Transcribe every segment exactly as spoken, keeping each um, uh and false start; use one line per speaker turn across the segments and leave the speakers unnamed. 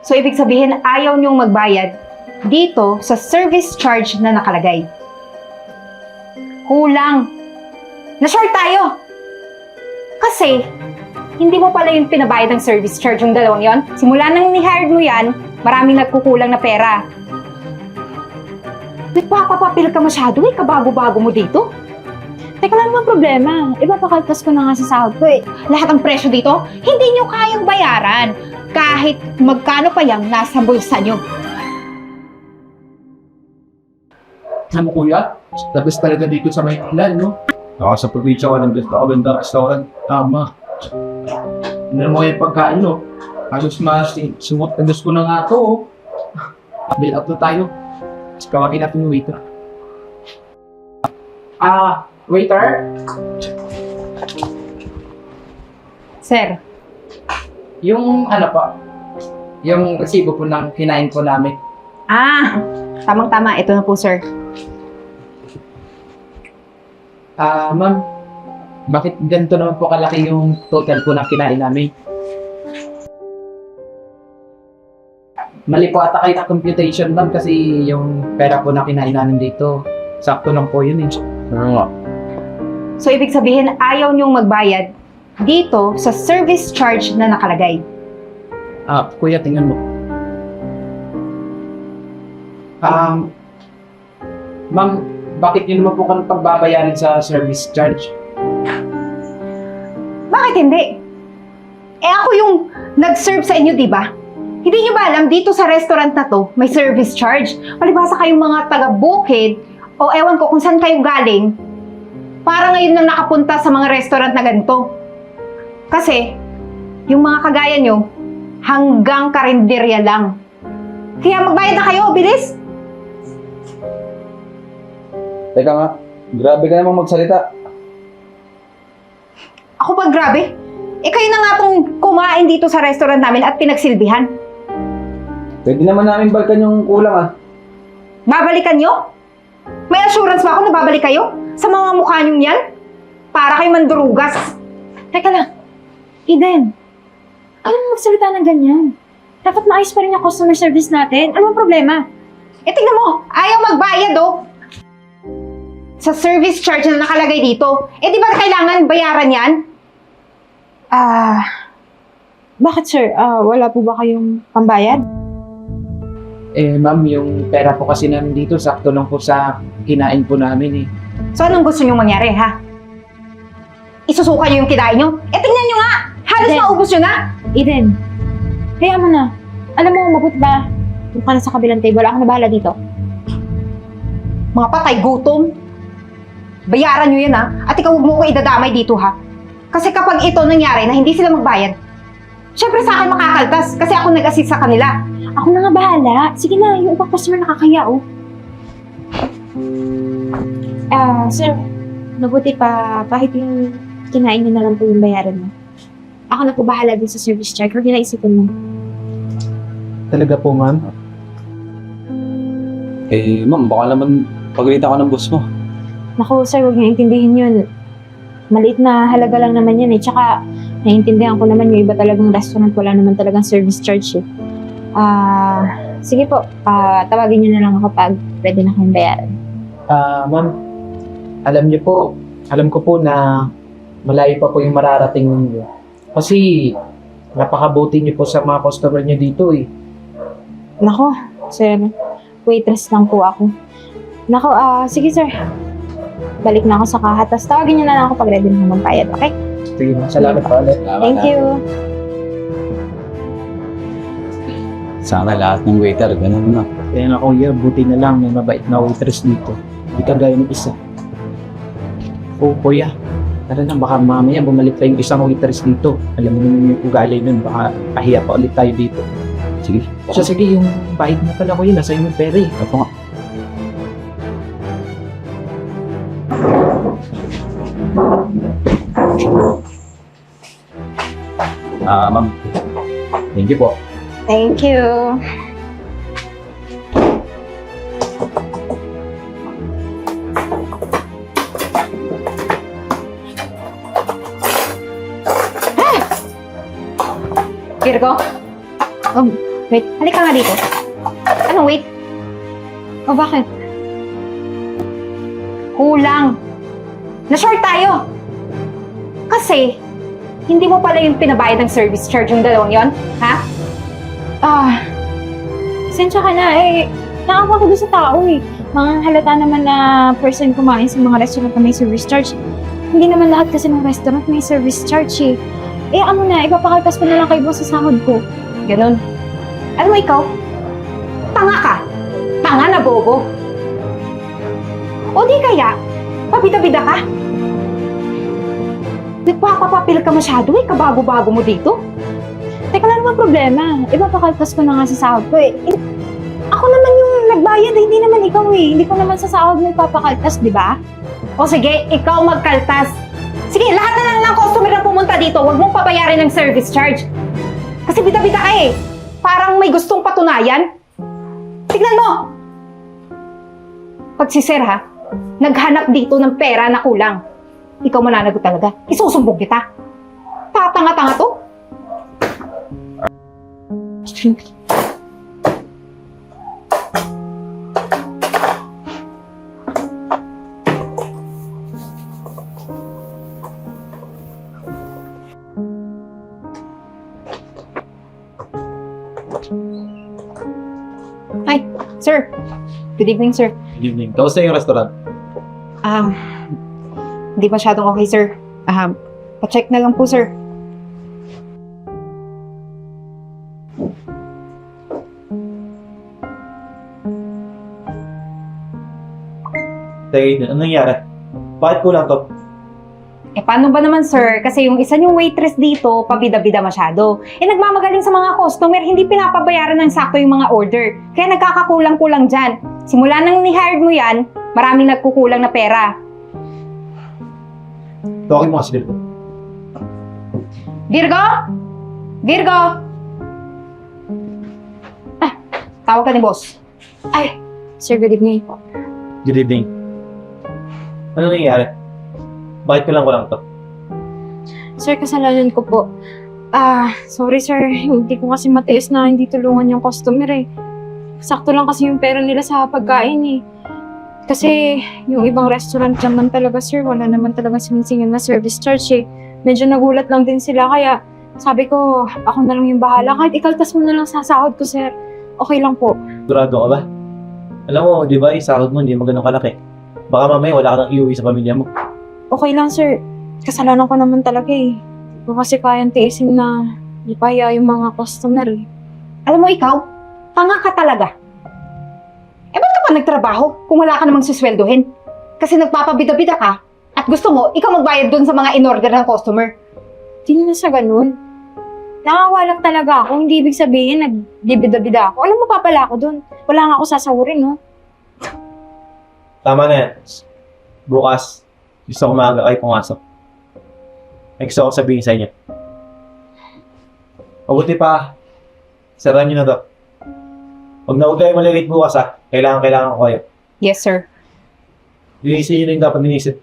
So, ibig sabihin, ayaw niyong magbayad dito sa service charge na nakalagay. Kulang. Na-short tayo. Kasi, hindi mo pala yung pinabayad ng service charge yung dalawang yon. Simula nang ni-hired mo yan, maraming nagkukulang na pera. Nagpapapapil ka masyado eh, kabago-bago mo dito.
Teka lang naman problema. Ipapakaltas ko na nga sa sahod ko eh.
Lahat ng presyo dito, hindi nyo kayang bayaran. Kahit magkano pa yung nasa bulsa nyo.
Alam mo kuya, the best talaga dito sa Maynila, no? Ako sa probinsya ko ng best ako ganda restaurant. Tama. Ano mo yung pagkain, no? Halos mas sumot na ko na nga ito, oh. Bill up na tayo. Tapos kawagin natin yung waiter. Ah, waiter?
Sir,
Yung ano pa, yung resibo po ng kinain po namin.
ah, tamang-tama. Ito na po, sir.
Ah, ma'am, bakit ganito naman po kalaki yung total po na kinain namin? Mali po ata kayo na computation, ma'am, kasi yung pera po na kinain namin dito, sakto lang po yun eh. Ano nga?
So, ibig sabihin, ayaw niyong magbayad dito sa service charge na nakalagay.
Ah, kuya, tingnan mo. Um, ma'am, bakit yun naman po kami pagbabayarin sa service charge?
Bakit hindi? Eh ako yung nag-serve sa inyo, di ba? Hindi nyo ba alam, dito sa restaurant na to, may service charge. Palibasa kayong mga taga-bukid o ewan ko kung saan kayo galing, para ngayon nang nakapunta sa mga restaurant na ganito. Kasi, yung mga kagaya nyo, hanggang karinderya lang. Kaya magbayad na kayo, bilis!
Teka nga, grabe ka namang magsalita.
Ako pa grabe. Eh kayo na nga tong kumain dito sa restaurant namin at pinagsilbihan.
Pwede naman namin balikan yung kulang ah.
Babalikan nyo? May assurance ba ako na babalik kayo? Sa mga mukha nyo yan? Para kayo mandurugas.
Teka lang. Eden, alam mo magsalita ng ganyan. Dapat maayos pa rin yung customer service natin. Ano ang problema?
Eh tingnan mo, ayaw magbayad oh. Sa service charge na nakalagay dito. Eh di ba kailangan bayaran yan?
Ah, bakit sir? Ah, wala po ba kayong pambayad?
Eh, ma'am, yung pera po kasi namin dito, sakto lang po sa kinain po namin eh.
So anong gusto nyo mangyari ha? Isusuka nyo yung kinain nyo? Eh tingnan nyo nga! Halos
Eden.
maubos nyo na!
Eden, kaya mo na. Alam mo, mabuti ba? Doon ka na sa kabilang table. Ako na bahala dito.
Mga patay gutom. Bayaran nyo yan ha. At ikaw huwag mo ko idadamay dito ha. Kasi kapag ito nangyari na hindi sila magbayad, syempre sa akin makakaltas kasi ako nag-assist sa kanila.
Ako na nga bahala. Sige na, yung ibang customer nakakaya, oh. Ah, sir, mabuti pa kahit yung kinain niyo na lang po yung bayaran mo. Ako na po bahala din sa service charge. Huwag niyo na isipin mo.
Talaga po, ma'am?
Eh, ma'am, baka naman pagalitan ko ng boss mo.
Naku, sir, huwag niyo intindihin yun. Maliit na halaga lang naman yan eh. Tsaka, naiintindihan ko naman yung iba talagang restaurant. Wala naman talagang service charge eh. Ah, sige po. Ah, tawagin niyo na lang ako pag pwede na kayong bayaran.
Ah, ma'am, alam niyo po, alam ko po na malayo pa po yung mararating ninyo. Kasi, napakabuti niyo po sa mga customer niyo dito eh.
Nako, sir, waitress lang po ako. Nako, ah, sige sir. Balik na ako sa kahat. Tapos tawagin niyo na lang ako pag ready na magbayad, okay?
Sige, ma'am, salamat po ulit.
Thank you.
Sana lahat ng waiter, ganun na.
Kaya nga kuya, buti na lang may mabait na waitress dito. Hindi kagaya ng isa. Oh, kuya, tara na, baka mamaya bumalik pa yung isang waitress dito. Alam mo naman yung ugali nun, baka pahiya pa ulit tayo dito.
Sige.
So sige, yung bahid na pala kuya, nasa yung pera eh.
Ito nga. Ah, ma'am. Thank you po.
Thank you. Kirko, um, Wait, halika nga dito. Anong wait?
O bakit?
Kulang. Na-short tayo. Kasi, hindi mo pala yung pinabayad ng service charge yung dalawang yon, ha?
Ah, sensya ka na eh. Nakawa ko doon sa tao eh. Mga halata naman na person kumain sa mga restaurant na may service charge. Hindi naman lahat kasi ng restaurant may service charge eh. Eh ano na, ipapakaltas ko na lang kay boss sa sahod ko.
Ganon. Alam mo ikaw, tanga ka. Tanga na bobo. O di kaya, pabida-bida ka. Nagpapapapil ka masyado eh, kabago-bago mo dito.
Teka lang naman problema. Ipapakaltas ko na nga sa sahod ko eh. Eh, Ako naman yung nagbayad, hindi naman ikaw eh. Hindi ko naman sa sahod mo ipapakaltas, di ba?
O sige, ikaw magkaltas. Sige, lahat na lang ng customer na pumunta dito, huwag mong pabayarin ng service charge. Kasi bida-bida ka eh. Parang may gustong patunayan. Tignan mo! Pag si Sir ha, naghanap dito ng pera na kulang. Ikaw mananagot talaga. Isusumbong kita. Tatanga-tanga to. Hi, sir. Good evening, sir.
Good evening. Kamusta yung restaurant?
Um, hindi masyadong okay, sir. Um, pa-check na lang po, sir.
Tay, anong nangyari? Bakit kulang to?
Eh, paano ba naman, sir? Kasi yung isa niyong waitress dito, pabida-bida masyado. Eh, nagmamagaling sa mga customer, hindi pinapabayaran ng sakto yung mga order. Kaya nagkakakulang-kulang dyan. Simula nang ni-hired mo yan, maraming nagkukulang na pera.
Tawagin mo kasi dito.
Virgo? Virgo? Ah, tawag ka ni boss.
Ay, sir, good evening po.
Good evening. Ano nangyari? Bakit kulang kulang to?
Sir, kasalanan ko po. Ah, sorry sir, hindi ko kasi matiis na hindi tulungan yung customer eh. Sakto lang kasi yung pera nila sa pagkain eh. Kasi yung ibang restaurant naman talaga sir, wala naman talaga sinisingil na service charge eh. Medyo nagulat lang din sila kaya sabi ko, ako na lang yung bahala. Kahit ikaltas mo na lang sa sahod ko sir, okay lang po.
Durado ka ba? Alam mo, di ba, yung sahod mo hindi mo ganun kalaki. Baka mamaya wala ka nang iuwi sa pamilya mo.
Okay lang sir, kasalanan ko naman talaga eh. Hindi ko kasi kayang tiisin na ipaya yung mga customer eh.
Alam mo ikaw, tanga ka talaga. Eh, ba't ka pa nagtrabaho kung wala ka namang susweldohin? Kasi nagpapabida-bida ka at gusto mo, ikaw magbayad dun sa mga in-order ng customer.
Hindi na sa ganun. Nakawalak talaga ako. Hindi ibig sabihin nagbibida-bida ako. Alam mo, papala ako dun. Wala nga ako sasahurin, no?
Tama na yan. Bukas, gusto ko maaga kayo pumasok. Ay gusto ko sabihin sa inyo. Mabuti pa, sarahan nyo na to. Huwag na huwag kayo malilate bukas ha. Kailangan, kailangan ko kayo.
Yes, sir.
Linisin nyo na yung dapat linisin.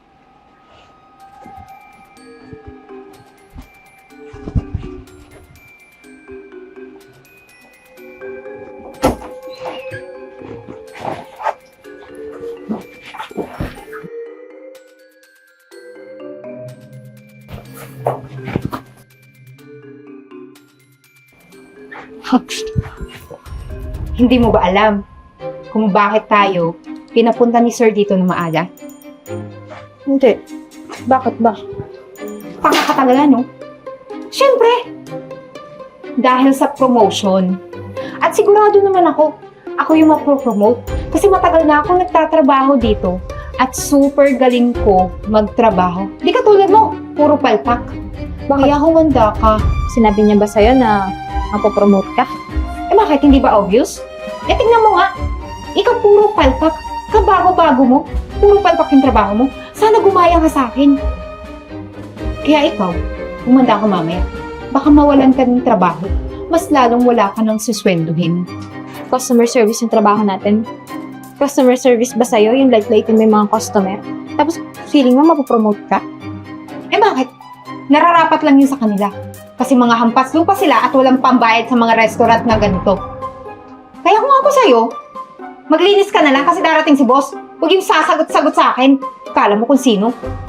Hindi mo ba alam kung bakit tayo pinapunta ni sir dito na maaga?
Hindi. Bakit ba?
Tanga ka talaga, no? Siyempre! Dahil sa promotion. At sigurado naman ako, ako yung mapropromote. Kasi matagal na ako nagtatrabaho dito. At super galing ko magtrabaho. Di ka tulad mo, puro palpak. Kaya humanda ka.
Sinabi niya ba sa'yo na mapopromote ka?
Eh bakit, hindi ba obvious? Eh tingnan mo nga, ikaw puro palpak. Kabago-bago mo, puro palpak yung trabaho mo. Sana gumaya ka sa akin. Kaya ikaw, humanda ka mamaya. Baka mawalan ka ng trabaho. Mas lalong wala ka ng suswenduhin.
Customer service yung trabaho natin. Customer service ba sa'yo yung light-lightin mo yung mga customer? Tapos feeling mo mapopromote ka?
Eh bakit? Nararapat lang yun sa kanila. Kasi mga hampas lupa sila at walang pambayad sa mga restaurant na ganito. Kaya kung ako sa'yo, maglinis ka na lang kasi darating si boss. Huwag yung sasagot-sagot sa akin. Kala mo kung sino.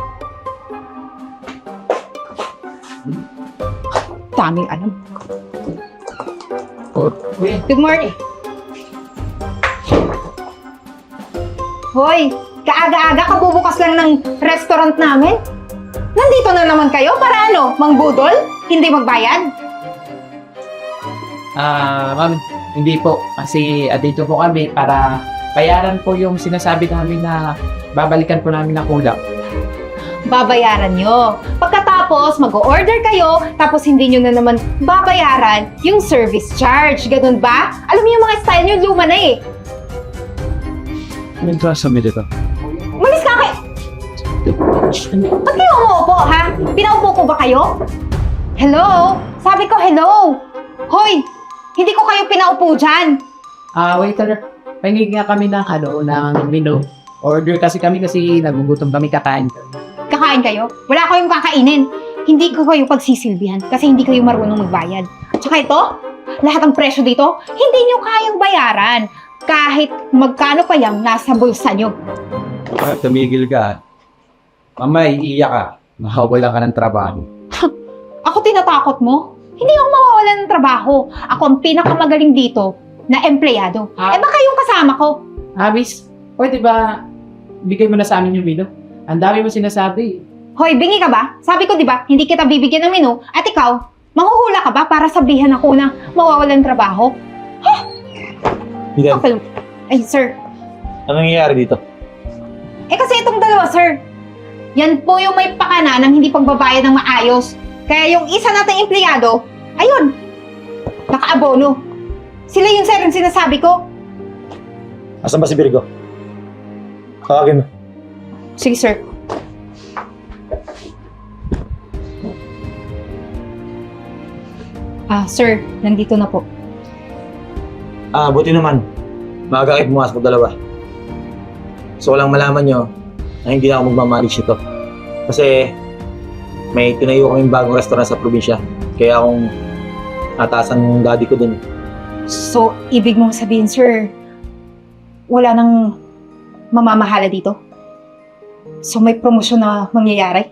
Daming alam.
Kuya,
Good morning. Hoy, kaaga-aga kabubukas lang ng restaurant namin. Nandito na naman kayo para ano, mangbudol? Hindi magbayad?
Ah, ma'am, hindi po. Kasi ah, dito po kami para bayaran po yung sinasabi namin na babalikan po namin ng kulang.
Babayaran nyo. Pagkatapos, mag-order kayo, tapos hindi nyo na naman babayaran yung service charge. Ganun ba? Alam niyo yung mga style nyo, luma na eh.
May trust kami dito.
Umalis ka kayo! Ba't kayo umuupo, ha? Pinaupo ko ba kayo? Hello? Sabi ko, hello! Hoy! Hindi ko kayo pinaupo dyan!
Ah, waiter, pahingig nga kami ng ano, ng menu. Order kasi kami kasi nagugutom kami kakain.
Kakain kayo? Wala kayong kakainin. Hindi ko kayo pagsisilbihan kasi hindi kayo marunong magbayad. Tsaka ito, lahat ng presyo dito, hindi nyo kayang bayaran. Kahit magkano pa yung nasa bulsa nyo.
Ah, tumigil ka. Mamaya, iiyak ka. Makawalan ka ng trabaho.
Ako tinatakot mo? Hindi ako mawawalan ng trabaho. Ako ang pinakamagaling dito na empleyado.
Ah.
Eh baka yung kasama ko.
Ah, miss, pwede ba bigay mo na sa amin yung menu? Ang dami mo sinasabi.
Hoy, bingi ka ba? Sabi ko, di ba, hindi kita bibigyan ng menu. At ikaw, manghuhula ka ba para sabihan ako na mawawalan ng trabaho?
Eden,
Kapal- Ay, sir.
ano nangyayari dito?
Eh kasi itong dalawa, sir. Yan po yung may pakana ng hindi pagbabayad ng maayos. Kaya yung isa nating empleyado, ayun, nakaabono. Sila yung sir yung sinasabi ko.
Asan ba si Virgo? Tawagin mo.
Sige, sir. Ah, sir, nandito na po.
Ah, buti naman. Maaga kayo pumasok dalawa. So, walang malaman nyo na hindi na ako magmamanage ito. Kasi may tinayo kaming bagong restaurant sa probinsya. Kaya akong nataasan ng daddy ko dun.
So, ibig mong sabihin, sir, wala nang mamamahala dito? So, may promosyon na mangyayari?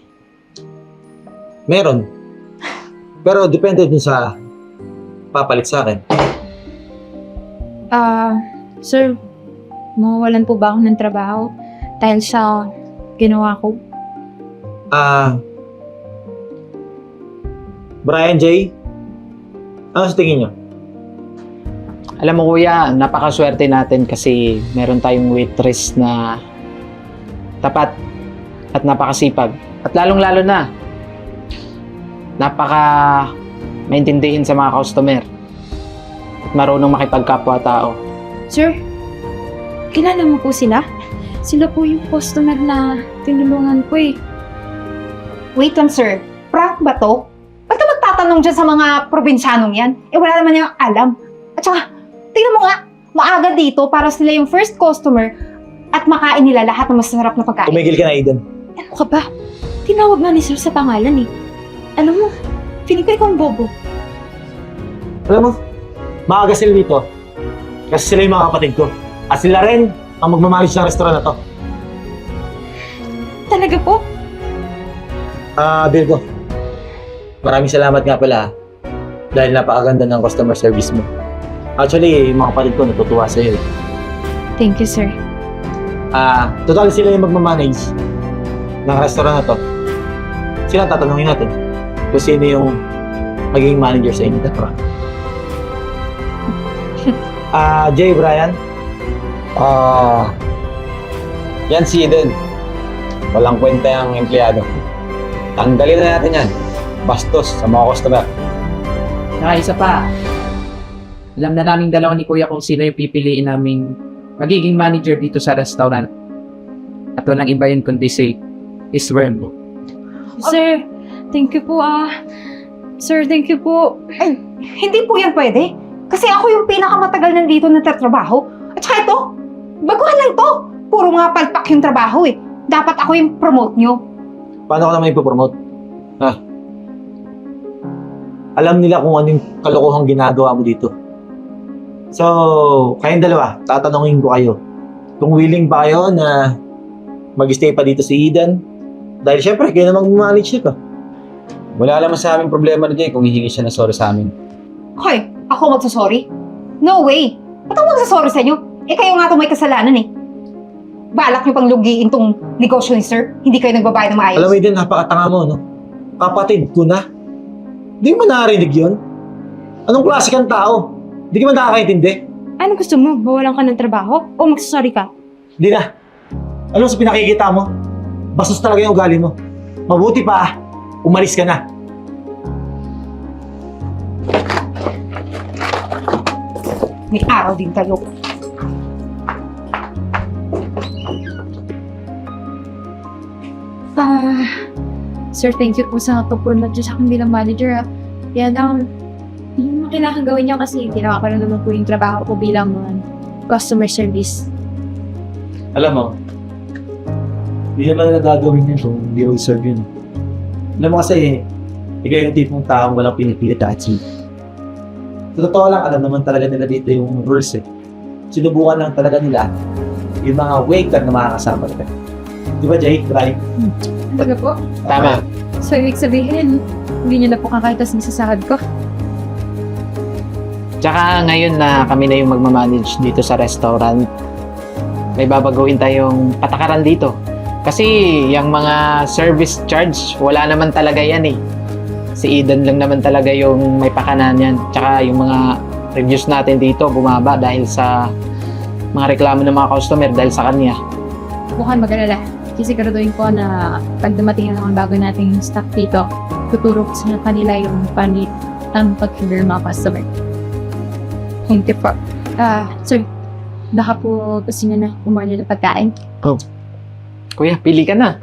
Meron. Pero depende din sa papalit sa akin.
Ah, sir, mawawalan po ba ako ng trabaho dahil sa ginawa ko?
Ah, Brian J, ano sa tingin nyo?
Alam mo kuya, napakaswerte natin kasi meron tayong waitress na tapat at napakasipag. At lalong-lalo na, napaka maintindihin sa mga customer at marunong makipagkapwa-tao.
Sir, kilala mo po sila? Sila po yung customer na tinulungan ko eh.
Wait lang, sir. Prank ba to? Ba't ka magtatanong dyan sa mga probinsyanong yan? Eh, wala naman yung alam. At saka, tingnan mo nga, maaga dito para sila yung first customer at makain nila lahat ng masarap na pagkain.
Tumigil ka na, Eden.
Ano ka ba? Tinawag nga ni sir sa pangalan eh. Alam mo, feeling ko ikaw ang bobo.
Alam mo, maaga sila dito. Kasi sila yung mga kapatid ko. At sila rin ang magmamanage ng restaurant na to.
Talaga po?
Ah, Virgo. Maraming salamat nga pala. Dahil napakaganda ng customer service mo. Actually, yung mga kapatid ko natutuwa sa'yo. eh.
Thank you, sir.
Ah, total sila yung magmamanage ng restaurant na to. Sila ang tatanungin natin kung sino yung magiging manager sa inyo. Ah, Jay, Brian.
Ah, yan si Eden. Walang kwenta yung empleyado. Tanggalin na natin yan. Bastos sa mga customer.
Saka isa pa, alam na naming dalawa ni kuya kung sino yung pipiliin naming magiging manager dito sa restaurant. At walang iba yun kundi si Isworm.
Sir, thank you po ah. Sir, thank you po.
Ay, hindi po yan pwede. Kasi ako yung pinakamatagal nandito na tatrabaho. At saka ito, baguhan lang to. Puro mga palpak yung trabaho eh. Dapat ako yung promote nyo.
Paano ka naman ipopromote? Ha? alam nila kung anong kalokohang ginagawa mo dito. So, kayong dalawa, tatanungin ko kayo. Kung willing ba kayo na mag-stay pa dito si Eden? Dahil syempre, kayo na mag-manage nito.
Wala naman sa aming problema na dyan kung hihingi siya ng sorry sa amin.
Hoy, ako magsasorry? No way! Ba't ako magsasorry sa inyo? Eh kayo nga itong may kasalanan eh. Balak niyo pang lugiin tong negosyo ni sir. Hindi kayo nagbabayad ng maayos.
Alam mo, Eden, napakatanga mo, no? Kapatid ko na. Di mo narinig yun? Anong klase kang tao? Di ka man nakakaintindi?
Ano gusto mo? Bawalan ka ng trabaho? O magsasorry ka?
Hindi na. Alam mo sa pinakikita mo? Bastos talaga yung ugali mo. Mabuti pa, umalis ka na.
May araw din kayo.
Ah, sir, thank you po sa pag-promote sa akin bilang manager. Ah. Yan, um, yung mga kailangan gawin niyo kasi ginawa ko na naman po yung trabaho ko bilang uh, customer service.
Alam mo, hindi naman na gagawin yun kung hindi ko serve yun. Alam mo kasi, ikaw yung tipong taong walang pinipilit at achieve. Sa totoo lang, alam naman talaga nila dito yung rules eh. Sinubukan lang talaga nila yung mga waiter na makakasama nila. Di ba, Jay? Right?
Talaga po?
Tama.
So, ibig sabihin, hindi niyo na po kakaitas sa sahod ko.
Tsaka ngayon na kami na yung magmamanage dito sa restaurant, may babaguhin tayong patakaran dito. Kasi yung mga service charge, wala naman talaga yan eh. Si Eden lang naman talaga yung may pakanan yan. Tsaka yung mga reviews natin dito bumaba dahil sa mga reklamo ng mga customer dahil sa kanya.
Bukan mag-alala. Kasi siguraduhin ko na pag dumating na mga bago nating staff dito, tuturo ko sa kanila yung panit ang pag-handle ng mga customer. Thank you po. Ah, sir, baka po gusto niyo na umorder ng pagkain.
Kuya, pili ka na.